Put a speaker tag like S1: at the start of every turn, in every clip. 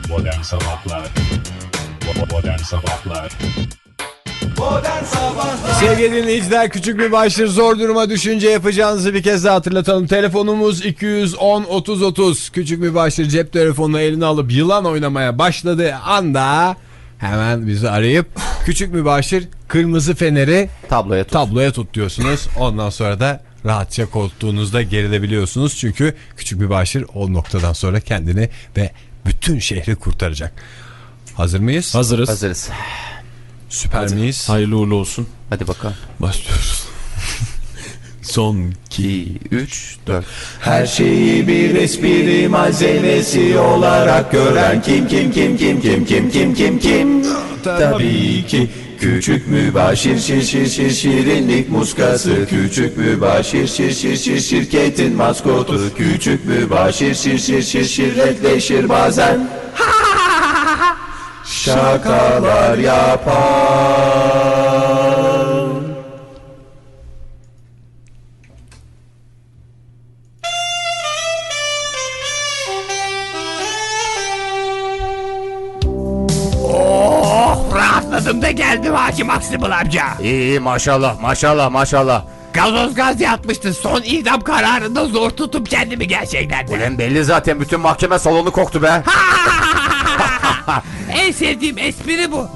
S1: Modern Sabahlar Modern Sabahlar
S2: Sevgili dinleyiciler, küçük bir başlık zor duruma düşünce yapacağınızı bir kez daha hatırlatalım. Telefonumuz 210-30-30. Küçük bir başlık cep telefonunu eline alıp yılan oynamaya başladığı anda hemen bizi arayıp küçük bir başlık kırmızı feneri tabloya tut diyorsunuz. Ondan sonra da rahatça koltuğunuzda gerilebiliyorsunuz. Çünkü küçük bir başlık o noktadan sonra kendini ve bütün şehri kurtaracak. Hazır mıyız?
S3: Hazırız.
S2: Süper miyiz?
S3: Hayırlı uğurlu olsun.
S4: Hadi bakalım.
S2: Başlıyoruz. Son
S4: 2, 3, 4.
S5: Her şeyi bir espri malzemesi olarak gören kim? Tabii ki küçük mübaşir şirinlik muskası. Küçük mübaşir şirketin maskotu. Küçük mübaşir şirretleşir bazen. Şakalar yapar.
S6: Rahatladım da geldim Hakim Aksibıl amca.
S4: İyi maşallah.
S6: Gazoz gaz yatmıştı. Son idam kararında zor tutup kendimi gerçekten de.
S4: Ulan belli zaten, bütün mahkeme salonu koktu be.
S6: En sevdiğim espri bu.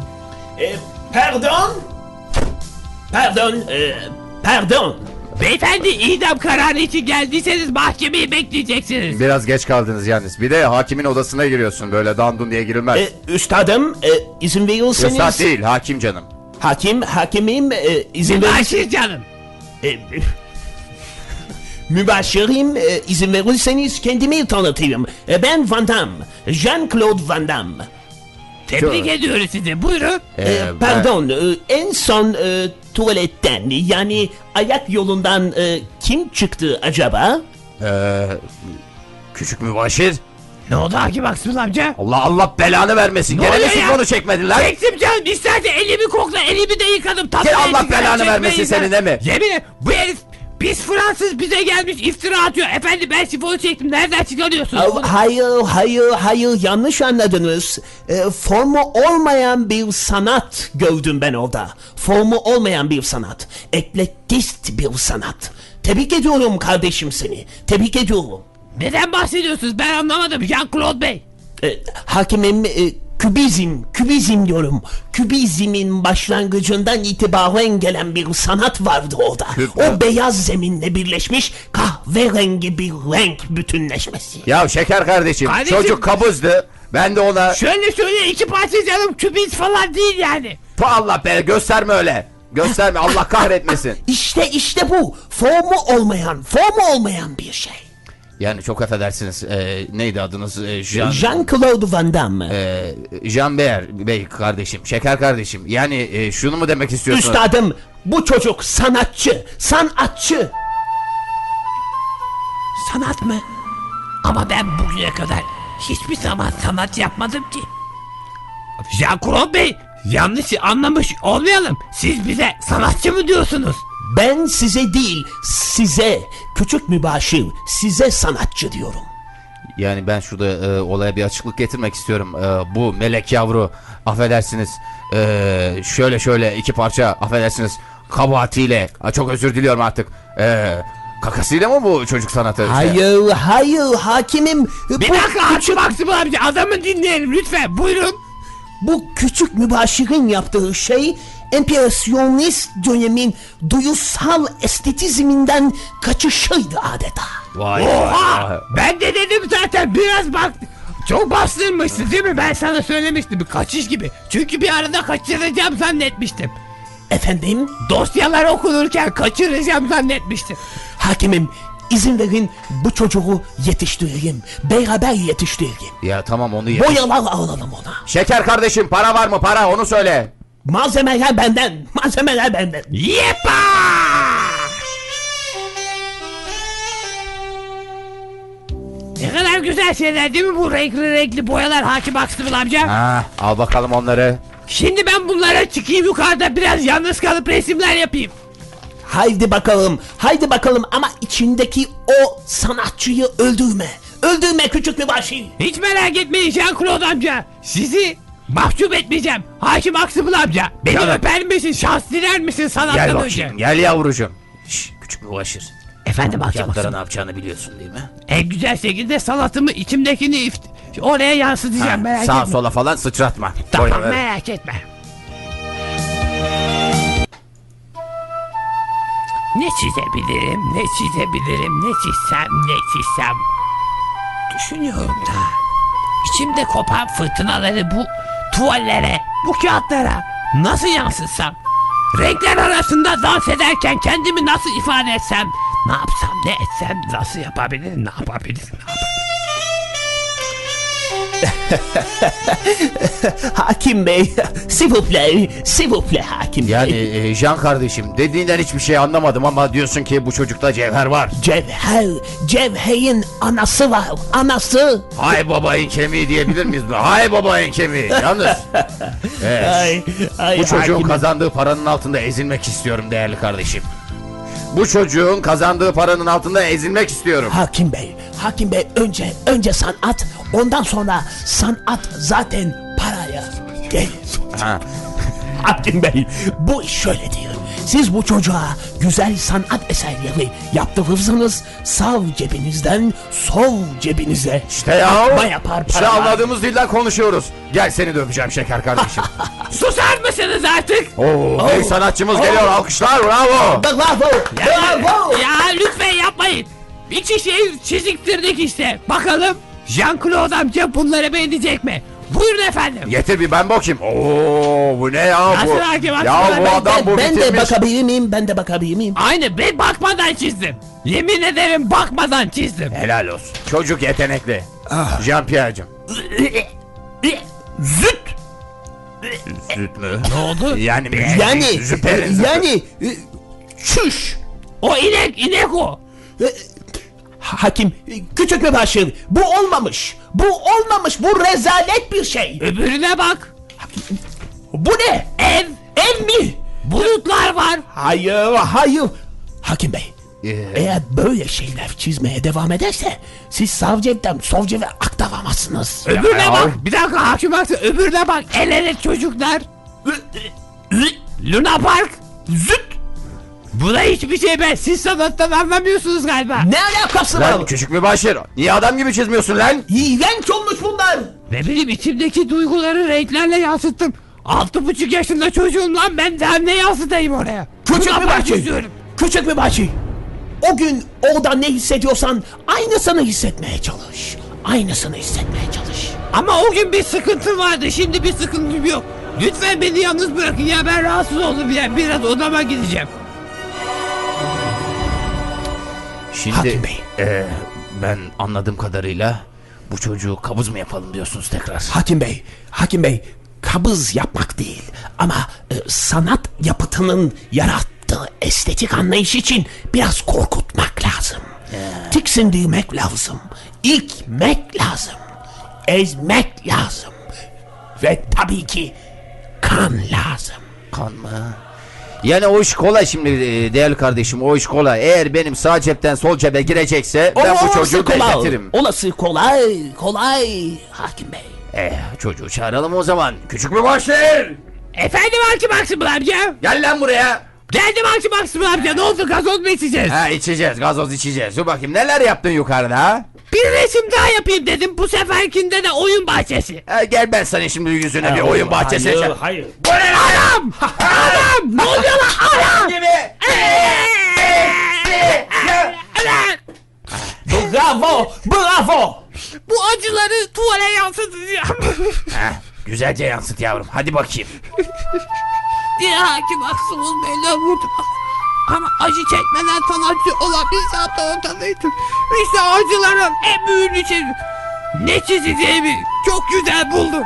S5: Pardon.
S6: Beyefendi, idam kararı için geldiyseniz mahkemeyi bekleyeceksiniz.
S4: Biraz geç kaldınız yalnız. Bir de hakimin odasına giriyorsun, böyle dandun diye girilmez.
S5: Üstadım, izin verirseniz.
S4: Üstad değil, hakim canım.
S5: Hakimim, izin verin.
S6: Başır canım.
S5: Mübaşirim, izin verirseniz kendimi tanıtayım. Ben Van Damme, Jean-Claude Van Damme.
S6: Tebrik ediyoruz sizi. Buyurun.
S5: Pardon, en son tuvaletten, yani ayak yolundan kim çıktı acaba?
S4: Küçük mübaşir.
S6: Ne oldu Hakim Aksibıl amca?
S4: Allah belanı vermesin.
S6: Ne
S4: Gene
S6: oluyor
S4: mi
S6: ya?
S4: sifonu çekmedin lan?
S6: Çektim canım. İsterse elimi kokla. Elimi de yıkadım.
S4: Gel, Allah belanı vermesin senin, değil mi?
S6: Yemin ederim, bu herif biz Fransız bize gelmiş iftira atıyor. Efendim, ben sifonu çektim. Nereden çıkarıyorsunuz bunu?
S5: Hayır, yanlış anladınız. Formu olmayan bir sanat gördüm ben orada. Formu olmayan bir sanat. Eklektist bir sanat. Tebrik ediyorum kardeşim seni. Tebrik ediyorum.
S6: Neden bahsediyorsunuz? Ben anlamadım Jean-Claude Bey.
S5: Hakimim, kübizm diyorum. Kübizmin başlangıcından itibaren gelen bir sanat vardı orada. O beyaz zeminle birleşmiş kahverengi bir renk bütünleşmesi.
S4: Ya şeker kardeşim, çocuk kabızdı. Ben de ona...
S6: Şöyle iki parça canım, kübiz falan değil yani.
S4: Allah be, gösterme öyle. Gösterme, Allah kahretmesin.
S5: İşte bu. Formu olmayan bir şey.
S4: Yani çok affedersiniz, neydi adınız?
S5: Jean-Claude Van Damme.
S4: Jean Bey kardeşim, şeker kardeşim. Yani şunu mu demek istiyorsunuz?
S5: Üstadım, bu çocuk sanatçı.
S6: Sanat mı? Ama ben bugüne kadar hiçbir zaman sanat yapmadım ki. Jean-Claude Bey, yanlış anlamış olmayalım. Siz bize sanatçı mı diyorsunuz?
S5: Ben size değil, size, küçük mübaşir, size sanatçı diyorum.
S4: Yani ben şurada olaya bir açıklık getirmek istiyorum. Bu melek yavru, affedersiniz, şöyle iki parça, affedersiniz, kabahatiyle, çok özür diliyorum artık, kakasıyla mı bu çocuk sanatı?
S5: Hayır hakimim.
S6: Bir dakika Hakim Aksibıl amca, adamı dinleyelim lütfen, buyurun.
S5: Bu küçük mübaşirin yaptığı şey empresyonist dönemin duyusal estetizminden kaçışıydı adeta.
S4: Vay.
S6: Ben de dedim zaten, biraz bak. Çok bastırmışsın değil mi? Ben sana söylemiştim, bir kaçış gibi. Çünkü bir arada kaçıracağım zannetmiştim.
S5: Efendim?
S6: Dosyalar okunurken kaçıracağım zannetmiştim.
S5: Hakimim, izin verin bu çocuğu yetiştireyim. Beraber yetiştireyim.
S4: Ya tamam, onu
S5: Boyalar alalım ona.
S4: Şeker kardeşim, para var mı, para, onu söyle.
S5: Malzemeler benden.
S6: Yepa! Ne kadar güzel şeyler değil mi bu renkli boyalar Hakim Aksibıl amca?
S4: Al bakalım onları.
S6: Şimdi ben bunlara çıkayım yukarıda, biraz yalnız kalıp resimler yapayım.
S5: Haydi bakalım ama içindeki o sanatçıyı öldürme. öldürme küçük mübaşir.
S6: Hiç merak etmeyin Jean-Claude amca. Sizi mahcup etmeyeceğim. Hakim Aksımıl amca. Beni
S4: Canım.
S6: öper misin? Şans diler misin
S4: Gel
S6: sanattan önce?
S4: bakayım, gel yavrucuğum. Şş, küçük mübaşir.
S6: Efendim Hakim
S4: Kağıtlara
S6: Aksımıl.
S4: ne yapacağını biliyorsun değil mi?
S6: En güzel şekilde sanatımı içimdekini oraya yansıtacağım merak
S4: Sağa
S6: etme.
S4: sola falan sıçratma.
S6: Tamam
S4: Buyurun, evet.
S6: merak etme. Ne çizebilirim, ne çizebilirim, ne çizsem, ne çizsem. Düşünüyorum da. İçimde kopan fırtınaları bu tuvallere, bu kağıtlara nasıl yansıtsam? Renkler arasında dans ederken kendimi nasıl ifade etsem? Ne yapsam, ne etsem, nasıl yapabilirim, ne yapabilirim, ne yapabilirim?
S5: Hakim Bey, s'il vous plaît Hakim Bey.
S4: Yani Can kardeşim, dediğinden hiçbir şey anlamadım ama diyorsun ki bu çocukta cevher var.
S5: Cevher'in anası var, anası.
S4: Hay babayın kemiği diyebilir miyiz? Hay babayın kemiği. Yalnız bu çocuğun
S5: Hakim Bey.
S4: kazandığı paranın altında ezilmek istiyorum değerli kardeşim. Bu çocuğun kazandığı paranın altında ezilmek istiyorum.
S5: Hakim Bey önce sanat, ondan sonra sanat zaten paraya gelir.
S4: Ha.
S5: Hakim Bey, bu iş şöyledir. Siz bu çocuğa güzel sanat eserleri yaptırırsınız, sağ cebinizden sol cebinize
S4: İşte ya.
S5: akma yapar
S4: İşte
S5: para.
S4: anladığımız dilden konuşuyoruz. Gel seni de öpeceğim şeker kardeşim.
S6: Susar mısınız artık?
S4: Oo, büyük sanatçımız geliyor. Alkışlar, bravo.
S5: Bravo!
S6: Ya lütfen yapmayın. İki şey çiziktirdik işte. Bakalım Jean-Claude amca bunları beğenecek mi? Buyurun efendim.
S4: Getir bir ben bakayım. Oo, bu ne ya bu?
S6: Nasıl hakim,
S4: Ya
S6: hakim?
S4: bu adam bu
S5: Ben de
S4: bitirmiş.
S5: bakabilir miyim?
S6: Aynı ben bakmadan çizdim. Yemin ederim bakmadan çizdim.
S4: Helal olsun. Çocuk yetenekli. Jean-Pierre'cim.
S5: Züt!
S4: Süt mü?
S6: Ne oldu?
S4: Yani
S5: Çüş!
S6: O inek o.
S5: Hakim, küçük mübaşir, bu olmamış. Bu rezalet bir şey.
S6: Öbürüne bak.
S5: Bu ne?
S6: Ev.
S5: Ev mi?
S6: Bulutlar var.
S5: Hayır. Hakim Bey, eğer böyle şeyler çizmeye devam ederse siz sağ cepten sol cebe aktaramazsınız.
S6: Öbürüne
S4: Ya.
S6: bak. Bir dakika hakim baksın. Öbürüne bak. El ele çocuklar. Luna Park.
S5: Züt!
S6: Bu da hiçbir şey be. Siz sanattan anlamıyorsunuz galiba.
S5: Ne alakası var?
S4: Lan küçük mübaşir. Niye adam gibi çizmiyorsun lan?
S5: İğrenç olmuş bunlar.
S6: Ne bileyim içimdeki duyguları renklerle yansıttım. 6,5 yaşında çocuğum lan ben daha ne yansıtayım oraya?
S5: Küçük
S6: Luna Park
S5: mübaşir.
S6: çiziyorum.
S5: Küçük mübaşir. O gün orada ne hissediyorsan aynısını hissetmeye çalış. Aynısını hissetmeye çalış.
S6: Ama o gün bir sıkıntım vardı. Şimdi bir sıkıntım yok. Lütfen beni yalnız bırakın ya ben rahatsız oldum ya. Biraz odama gideceğim.
S4: Şimdi
S5: Hakim Bey.
S4: ben anladığım kadarıyla bu çocuğu kabız mı yapalım diyorsunuz tekrar?
S5: Hakim Bey, kabız yapmak değil ama sanat yapıtının yarattığı estetik anlayış için biraz korkutmak lazım. Tiksindirmek lazım, ilkmek lazım, ezmek lazım ve tabii ki kan lazım.
S4: Kan mı? Yani o iş kolay şimdi değerli kardeşim, o iş kolay. Eğer benim sağ cepten sol cebe girecekse ben bu çocuğu bekletirim.
S5: Olası kolay Hakim Bey.
S4: Çocuğu çağıralım o zaman. Küçük mübaşir!
S6: Efendim Hakim Aksımıl amca.
S4: Gel lan buraya.
S6: Geldim Hakim Aksımıl amca. Ne oldu gazoz mu içeceğiz?
S4: Ha içeceğiz, gazoz içeceğiz. Dur bakayım neler yaptın yukarıda ha?
S6: Bir resim daha yapayım dedim. Bu seferkinde de oyun bahçesi.
S4: Gel ben sana şimdi yüzüne bir oyun bahçesi açayım.
S5: Hayır.
S4: Bu ne lan?
S6: Anam! Anam! Ne oluyor lan? Anam!
S4: Gibi.
S5: Bravo.
S6: Bu acıları tuvale yansıtacağım.
S4: Güzelce yansıt yavrum. Hadi bakayım.
S6: diye Hakim Aksımıl Bey'le vurdum. Ama acı çekmeden sanatçı olabilsem de ortadaydım. İşte acıların en büyüğünü çizdim. Ne çizeceğimi çok güzel buldum.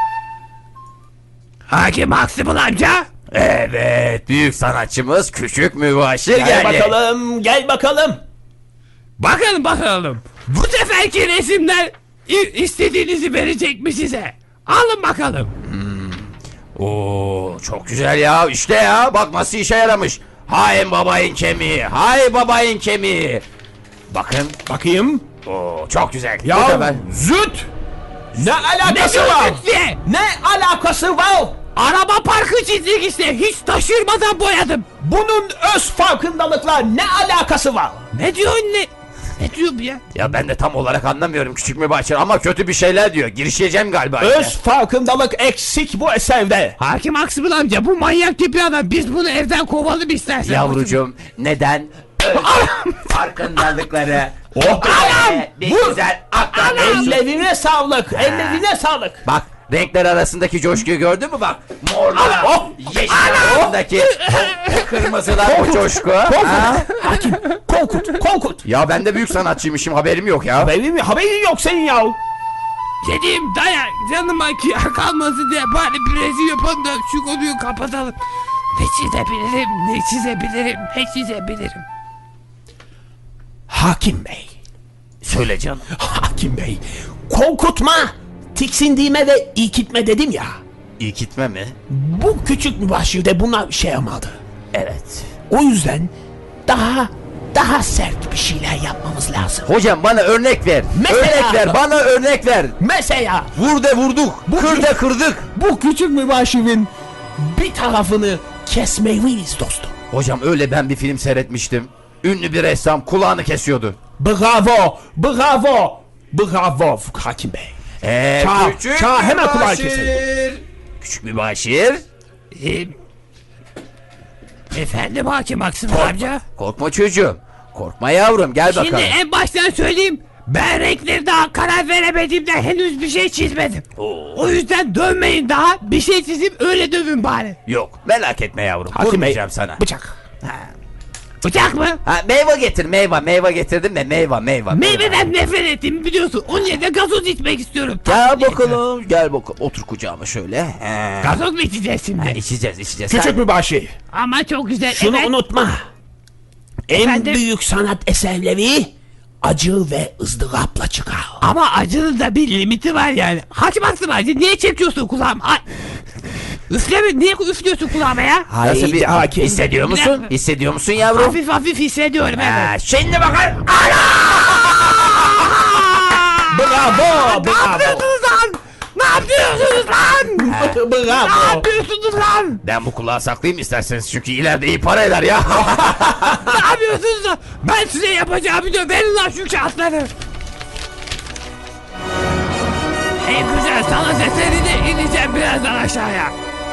S6: Hakim Aksımıl amca.
S4: Evet, büyük sanatçımız Küçük Mübaşir geldi.
S5: Gel bakalım.
S6: Bakalım. Bu seferki resimler istediğinizi verecek mi size? Alın bakalım.
S4: Oo, çok güzel ya. İşte ya, bak nasıl işe yaramış. Hay babayın kemiği, hay babayın kemiği. Bakın.
S5: Bakayım.
S4: Oo, çok güzel. Bu
S5: Ya
S4: sefer-
S5: züt! Ne
S6: Ne
S5: alakası var?
S6: diye?
S5: Ne alakası var?
S6: Araba parkı çizdik işte. Hiç taşırmadan boyadım.
S5: Bunun öz farkındalıkla ne alakası var?
S6: Ne diyorsun ne? Ne diyor bu ya?
S4: Ya ben de tam olarak anlamıyorum küçük mübaşir ama kötü bir şeyler diyor. Girişeceğim galiba.
S5: Öz farkındalık eksik bu eserde.
S6: Hakim Aksımıl amca bu manyak tipi adam. Biz bunu evden kovalım istersen.
S4: Yavrucuğum neden farkındalıkları
S5: Oh,
S4: bir
S5: vur.
S4: güzel aktarıyorsun.
S5: Ellerine sağlık, ellerine sağlık.
S4: Bak renkler arasındaki coşkuyu gördün mü bak? Morlar, yeşil arasındaki o kırmızılar o coşku. Ha?
S5: Hakim, Korkut.
S4: Ya ben de büyük sanatçıymışım haberim yok ya.
S5: Haberin yok senin ya.
S6: Dediğim dayak canıma kıyar kalmasın diye bari birisi yapalım da şu konuyu kapatalım. Ne çizebilirim.
S5: Hakim Bey,
S4: Söyle canım.
S5: Hakim Bey. Korkutma, tiksindiğime ve ikitme dedim ya.
S4: İyi gitme mi?
S5: Bu küçük mübaşirde buna şey yapmadı.
S4: Evet.
S5: O yüzden daha sert bir şeyler yapmamız lazım.
S4: Hocam bana örnek ver.
S5: Mesela-
S4: Örnek ver bana örnek ver.
S5: Mesela
S4: Vur de vurduk. Kır de kırdık.
S5: bu küçük mübaşirin bir tarafını kesmeliyiz dostum.
S4: Hocam öyle ben bir film seyretmiştim. Ünlü bir ressam kulağını kesiyordu.
S5: Bravo Hakim Bey. Çağ, hemen kulağı keselim.
S4: Küçük mübaşir.
S6: Efendim Hakim Aksımıl amca.
S4: Korkma çocuğum. Korkma yavrum gel
S6: Şimdi
S4: bakalım.
S6: en baştan söyleyeyim. Ben renkleri daha karar veremediğimden henüz bir şey çizmedim. O yüzden dövmeyin daha. Bir şey çizip öyle dövün bari.
S4: Yok merak etme yavrum.
S5: Hakim Bey,
S4: Vurmayacağım sana.
S5: bıçak.
S6: Bıçak mı?
S4: Ha, meyve getir meyve getirdim de meyve.
S6: Meyveden nefret ettiğimi biliyorsun. Onun yerine gazoz içmek istiyorum.
S4: Gel bakalım gel bakalım. Otur kucağıma şöyle. He.
S6: Gazoz mu içeceğiz şimdi?
S4: İçeceğiz.
S5: Küçük
S4: Sen-
S5: mübaşir.
S6: Ama çok güzel.
S5: Şunu
S6: evet.
S5: unutma. En
S6: Efendim?
S5: büyük sanat eserleri acı ve ızdırapla çıkar.
S6: Ama acının da bir limiti var yani. Hakim Aksımıl amca niye çekiyorsun kulağıma? Ay. Üfleme, niye üflüyorsun kulağıma ya?
S4: Nasıl bir
S5: hakim.
S4: hissediyor musun?
S6: dakika.
S4: Hissediyor musun yavrum?
S6: Hafif hafif hissediyorum evet.
S4: Ha, şimdi bakar.
S5: Bravo.
S6: Ne yapıyorsunuz lan? Ne yapıyorsunuz lan? Ne
S5: Bravo.
S6: yapıyorsunuz lan?
S4: Ben bu kulağı saklayayım isterseniz çünkü ileride iyi para eder ya.
S6: Ne yapıyorsunuz lan? Ben size yapacağımı diyor. Verin lan şu kağıtları. En güzel sanat eserini ineceğim birazdan aşağıya.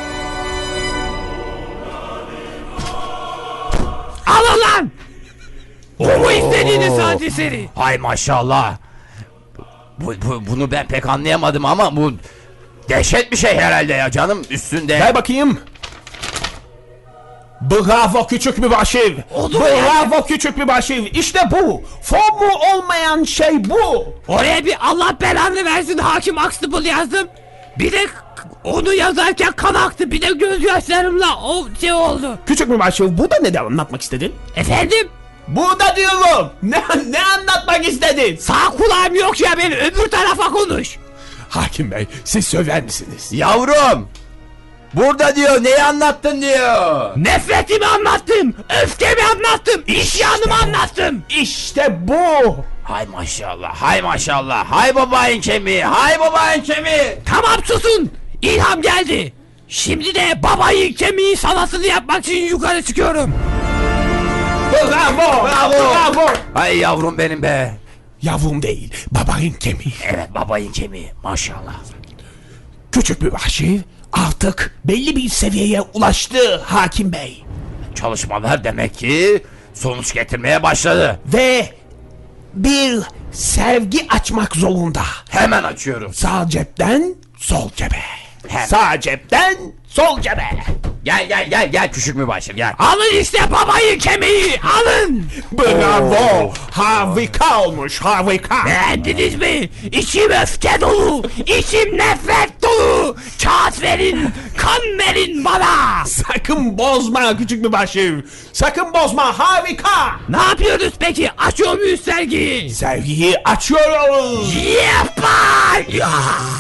S6: Alın lan! Bu mu istediğiniz sanat eseri?
S4: Hay maşallah. Bunu ben pek anlayamadım ama bu dehşet bir şey herhalde ya canım üstünde.
S5: Gel bakayım. Bravo küçük mübaşir.
S6: Oldu mu
S5: Bravo küçük mübaşir. İşte bu. Formu olmayan şey bu.
S6: Oraya bir Allah belanı versin Hakim Aksımıl yazdım. Bir de onu yazarken kan aktı. Bir de gözyaşlarımla o şey oldu.
S5: Küçük mübaşir burada ne de anlatmak istedin?
S6: Efendim?
S5: Burada diyorum. Ne anlatmak istedin?
S6: Sağ kulağım yok ya benim, öbür tarafa konuş.
S5: Hakim Bey siz söyler misiniz?
S4: Yavrum. Burada diyor neyi anlattın diyor.
S6: Nefretimi anlattım, öfkemi anlattım, isyanımı anlattım.
S5: İşte bu.
S4: Hay maşallah hay maşallah. Hay babayın kemiği hay babayın kemiği.
S6: Tamam susun, ilham geldi. Şimdi de babayın kemiği sanatını yapmak için yukarı çıkıyorum.
S5: Bravo. Bravo.
S4: Hay yavrum benim be.
S5: Yavrum değil babanın kemiği.
S4: Evet babayın kemiği maşallah.
S5: Küçük mübaşir artık belli bir seviyeye ulaştı Hakim Bey.
S4: Çalışmalar demek ki sonuç getirmeye başladı.
S5: Ve bir sevgi açmak zorunda.
S4: Hemen açıyorum.
S5: Sağ cepten sol cebe.
S4: Hemen.
S5: Sağ cepten sol cebe.
S4: Gel küçük mübaşir gel.
S6: Alın işte babayın kemiği, alın.
S5: Bravo. Harika olmuş harika.
S6: Beğendiniz mi? İçim öfke dolu, içim nefret dolu. Kağıt verin, kan verin bana.
S5: Sakın bozma küçük mübaşir. Sakın bozma harika.
S6: Ne yapıyoruz peki? Açıyor muyuz sergiyi?
S5: Sevgiyi açıyoruz.
S6: Yapar! Ya!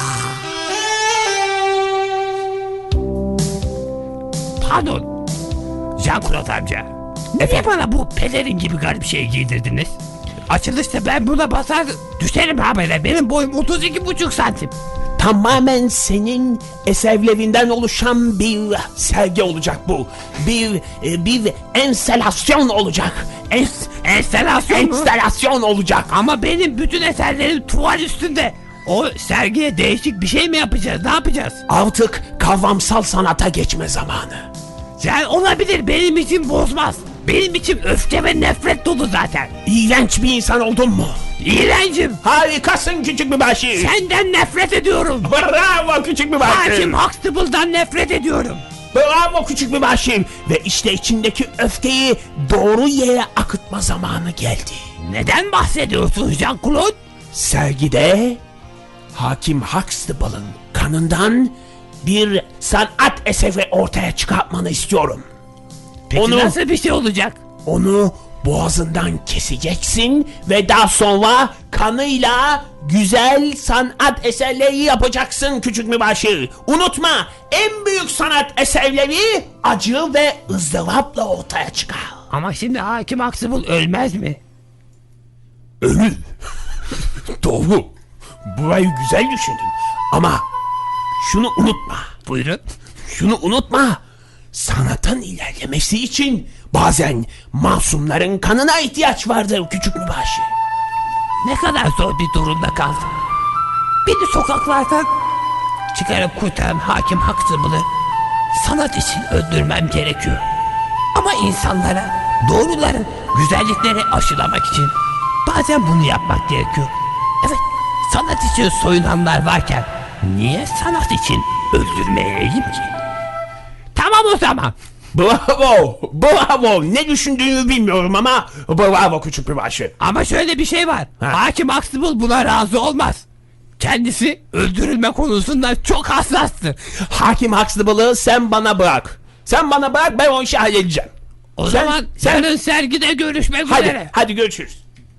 S6: Pardon. Jean Claude amca. Niye bana bu pelerin gibi garip şey giydirdiniz? açılışta ben buna basar düşerim habere. Benim boyum 32,5 santim.
S5: Tamamen senin eserlerinden oluşan bir sergi olacak bu. Bir enstalasyon olacak.
S6: Enstalasyon mu?
S5: Enstalasyon olacak.
S6: Ama benim bütün eserlerim tuval üstünde. O sergiye değişik bir şey mi yapacağız? Ne yapacağız?
S5: Artık kavramsal sanata geçme zamanı.
S6: Yani olabilir, benim için bozmaz. Benim için öfke ve nefret dolu zaten.
S5: İğrenç bir insan oldun mu?
S6: İğrencim.
S5: Harikasın küçük mübaşir.
S6: Senden nefret ediyorum.
S5: Bravo küçük mübaşir.
S6: Hakim Huxtable'dan nefret ediyorum.
S5: Bravo küçük mübaşir. Ve işte içindeki öfkeyi doğru yere akıtma zamanı geldi.
S6: Neden bahsediyorsun Jean-Claude?
S5: Sergide Hakim Huxtable'ın kanından bir sanat eseri ortaya çıkartmanı istiyorum.
S6: Peki
S5: Onu-
S6: nasıl bir şey olacak?
S5: Onu boğazından keseceksin ve daha sonra kanıyla güzel sanat eserleri yapacaksın küçük mübaşir. Unutma, en büyük sanat eserleri acı ve ızdırapla ortaya çıkar.
S6: Ama şimdi Hakim Huxtable ölmez mi?
S5: Ölür. Doğru. Burayı güzel düşündün. Ama şunu unutma.
S6: Buyurun.
S5: Şunu unutma. Sanatın ilerlemesi için bazen masumların kanına ihtiyaç vardır küçük mübaşir.
S6: Ne kadar zor bir durumda kaldım. Beni sokaklardan çıkarıp kurtaran Hakim Huxtable'ı sanat için öldürmem gerekiyor. Ama insanlara doğruları, güzellikleri aşılamak için bazen bunu yapmak gerekiyor. Evet, sanat için soyunanlar varken niye sanat için öldürmeyeyim ki? Tamam o zaman.
S5: Bravo. Bravo. Ne düşündüğümü bilmiyorum ama bravo küçük mübaşir.
S6: Ama şöyle bir şey var.
S5: Ha.
S6: Hakim Huxtable buna razı olmaz. Kendisi öldürülme konusunda çok hassastır.
S5: Hakim Huxtable'ı sen bana bırak. Sen bana bırak, ben o işi halledeceğim.
S6: O
S5: Sen-
S6: zaman
S5: sen-
S6: yarın sergide görüşmek üzere.
S5: Hadi görüşürüz.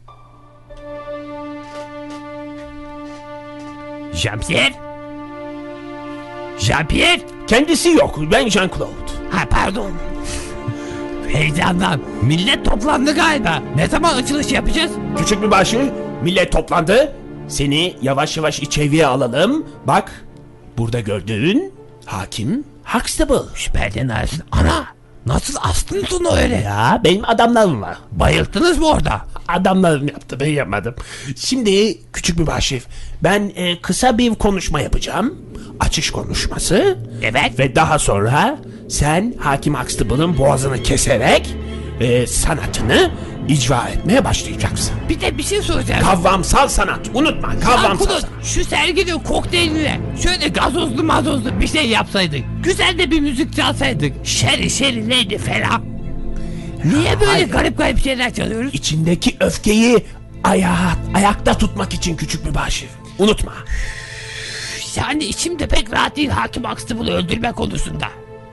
S6: Jean-Pierre? Jean-Pierre?
S5: Kendisi yok. Ben Jean-Claude.
S6: Ha pardon. Heyecandan. Millet toplandı galiba. Ne zaman açılış yapacağız?
S5: Küçük mübaşir, millet toplandı. Seni yavaş yavaş içeriye alalım. Bak, burada gördüğün Hakim Huxtable.
S6: Şüpheden arasın. Ana! Nasıl astınız onu öyle?
S5: Ya benim adamlarım var.
S6: Bayılttınız mı orada?
S5: Adamlarım yaptı, ben yapmadım. Şimdi küçük mübaşir, ben kısa bir konuşma yapacağım. Açış konuşması.
S6: Evet.
S5: Ve daha sonra sen Hakim Huxtable'ın boğazını keserek sanatını icra etmeye başlayacaksın.
S6: Bir de bir şey soracağım.
S5: Kavramsal sanat. Unutma, kavramsal
S6: Jean-Claude,
S5: sanat.
S6: şu serginin kokteyline şöyle gazozlu mazozlu bir şey yapsaydık. Güzel de bir müzik çalsaydık. Şeri şeri neydi falan. Niye böyle
S5: hayır.
S6: garip garip şeyler çalıyoruz?
S5: İçindeki öfkeyi ayakta tutmak için küçük mübaşir. Unutma.
S6: Yani içimde pek rahat değil Hakim Huxtable'ı öldürme konusunda.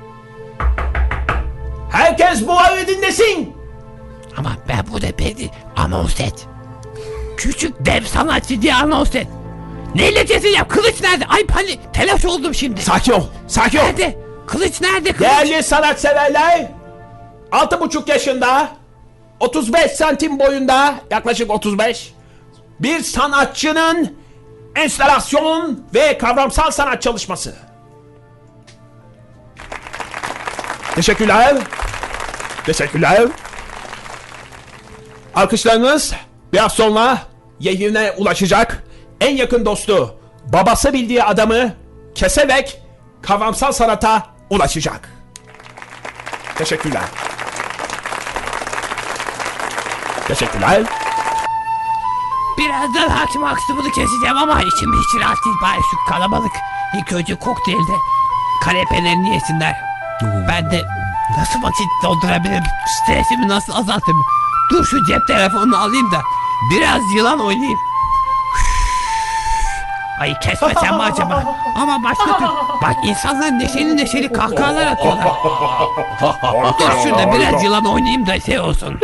S5: Herkes bu ayı dinlesin.
S6: Ama ben burada beni anons et. Küçük dev sanatçı diye anons et. Neyle keseceğim? Kılıç nerede? Ay hani telaş oldum şimdi.
S5: Sakin ol, sakin ol.
S6: Nerede? Kılıç nerede kılıç?
S5: Değerli sanatseverler, 6,5 yaşında, 35 santim boyunda, yaklaşık 35, bir sanatçının enstalasyon ve kavramsal sanat çalışması. Teşekkürler. Teşekkürler. Alkışlarınız biraz sonra yerine ulaşacak. En yakın dostu, babası bildiği adamı keserek kavramsal sanata ulaşacak. Teşekkürler. Teşekkürler.
S6: Birazdan Hakim Huxtable'ı keseceğim ama içim hiç rahat değil. Bari şu kalabalık ilk önce kokteylde kanepelerini yesinler. Ben de nasıl vakit doldurabilirim? Stresimi nasıl azaltırım? Dur şu cep telefonunu alayım da biraz yılan oynayayım. Ay kesmesem mi acaba? Ama başka türlü. Bak insanlar neşeli neşeli kahkahalar atıyorlar. Dur şurada biraz yılan oynayayım da şey olsun.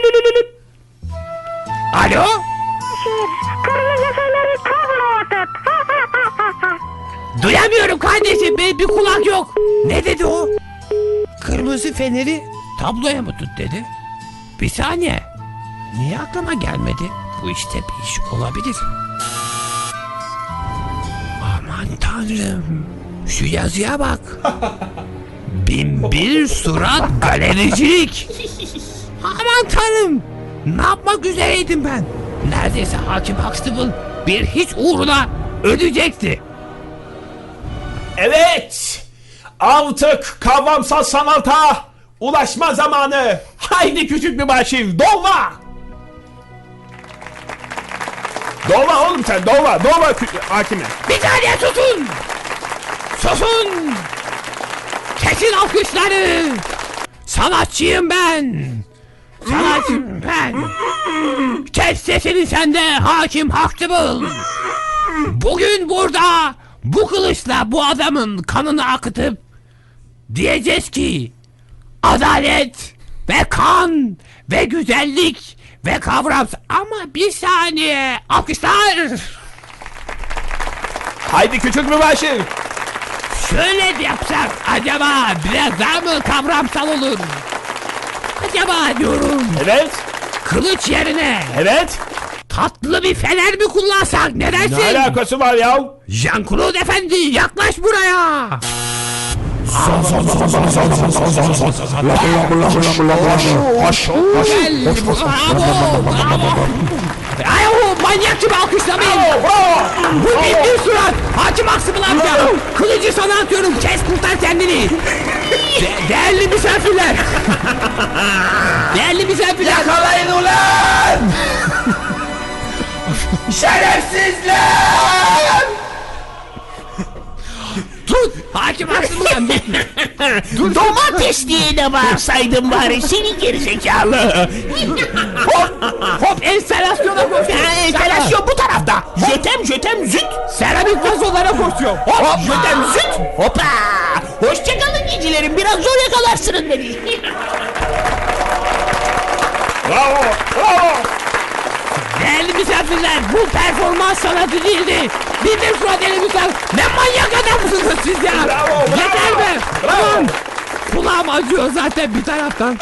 S6: Alo?
S3: Kırmızı feneri kavrot.
S6: Duyamıyorum kardeşim, benim bir kulak yok. Ne dedi o? Kırmızı feneri tabloya mı tut dedi. Bir saniye. Niye aklıma gelmedi? Bu işte bir iş olabilir. Aman tanrım. Şu yazıya bak. Binbir surat galericilik. Aman tanrım. Ne yapmak üzereydim ben? Neredeyse Hakim Huxtable bir hiç uğruna ödeyecekti.
S5: Evet. Artık kavramsal sanata ulaşma zamanı. Haydi küçük mübaşir dolma. Dolma oğlum sen dolma. Dolma hakime.
S6: Bir saniye susun. Susun. Kesin alkışları. Sanatçıyım ben. Sanatçıyım ben. Kes sesini sen de Hakim Huxtable. Bugün burada bu kılıçla bu adamın kanını akıtıp diyeceğiz ki adalet ve kan ve güzellik ve kavram. Ama bir saniye alkışlar.
S5: Haydi küçük mübaşir.
S6: Şöyle yapsak acaba biraz daha mı kavramsal olur? Acaba diyorum
S5: Evet.
S6: kılıç yerine
S5: Evet.
S6: tatlı bir fener mi kullansak ne dersin?
S5: Ne alakası var ya?
S6: Jean-Claude Efendi yaklaş buraya. Gel. Bravo. Bravo. Ay, manyak gibi alkışlamayın. Bu bir surat. Hakim Huxtable amca. Kılıcı sana atıyorum. Kes kurtar kendini. Değerli misafirler. Değerli misafirler.
S5: Yakalayın ulan! Şerefsizler!
S6: Tut. Hakim Huxtable amca.
S5: Domates diye de bağırsaydın bari seni gerizekalı.
S6: Hop enstalasyona koşuyor.
S5: Enstalasyon bu tarafta. Jötem züt.
S6: Seramik vazolara koşuyor.
S5: Hop jötem züt. Hoppa. Hoşçakalın gecilerim. Biraz zor yakalarsınız beni. Bravo. Bravo.
S6: Değerli misafirler, bu performans sanatı değildi. Bir surat elimizden. Ne manyak adamsınız siz ya.
S5: Bravo, bravo.
S6: Yeter be.
S5: Bravo.
S6: Aman. Kulağım acıyor zaten bir taraftan.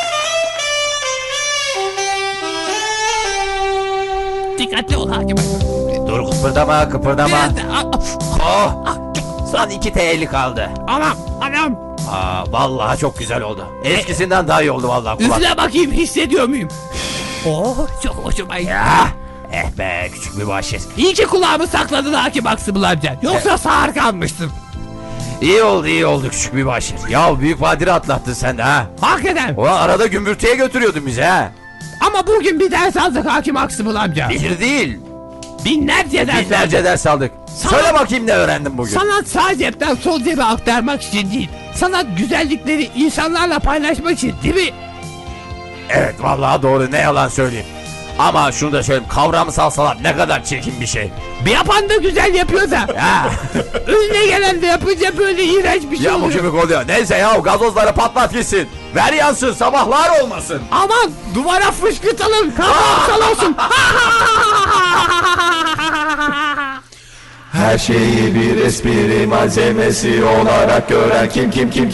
S6: Dikkatli ol hakim.
S4: Dur kıpırdama kıpırdama.
S6: Biraz da...
S4: Oh, son 2 TL kaldı.
S6: Anam.
S4: Vallahi çok güzel oldu. Eskisinden daha iyi oldu vallahi kulak.
S6: Üfle bakayım hissediyor muyum? Oh çok hoşuma gitti.
S4: Ya, be küçük mübaşir.
S6: İyi ki kulağımı sakladın hakim Huxtable amca. Yoksa sağır kalmıştım.
S4: İyi oldu küçük mübaşir. Ya büyük badire atlattın sen de ha.
S6: Hakikaten.
S4: Ulan arada gümbürtüye götürüyordun bizi ha.
S6: Ama bugün bir ders aldık hakim Huxtable amca.
S4: Bir değil.
S6: Binlerce ders
S4: Binlerce
S6: aldık.
S4: ders aldık. Söyle bakayım ne öğrendin bugün.
S6: Sanat sağ cepten sol cebe aktarmak için değil. Sanat güzellikleri insanlarla paylaşmak için değil mi?
S4: Evet vallahi doğru, ne yalan söyleyeyim. Ama şunu da söyleyeyim, kavramsal sanat ne kadar çirkin bir şey.
S6: Bir yapan da güzel yapıyor da.
S4: Ya,
S6: Önüne gelen de yapınca böyle iğrenç bir şey
S4: ya bu
S6: oluyor.
S4: kemik oluyor. Neyse ya, gazozları patlat gitsin. Ver yansın, sabahlar olmasın.
S6: Aman duvara fışkırtalım. Kavramsal olsun.
S7: Her şeyi bir espri malzemesi olarak gören kim?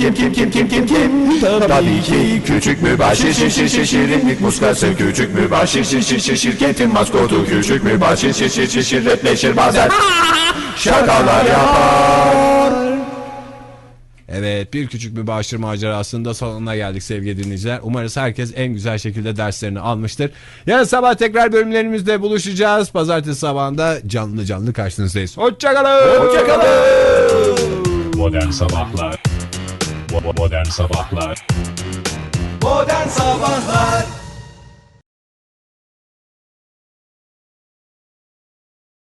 S7: Tabii ki küçük mübaşir şirinlik muskası, küçük mübaşir şirketin maskotu, küçük mübaşir şirretleşir bazen şakalar yapar.
S2: Evet, bir küçük mübaşir macerasında sonuna geldik sevgili dinleyiciler. Umarız herkes en güzel şekilde derslerini almıştır. Yarın sabah tekrar bölümlerimizde buluşacağız. Pazartesi sabahında canlı karşınızdayız. Hoşçakalın.
S1: Modern Sabahlar Modern Sabahlar
S7: Modern Sabahlar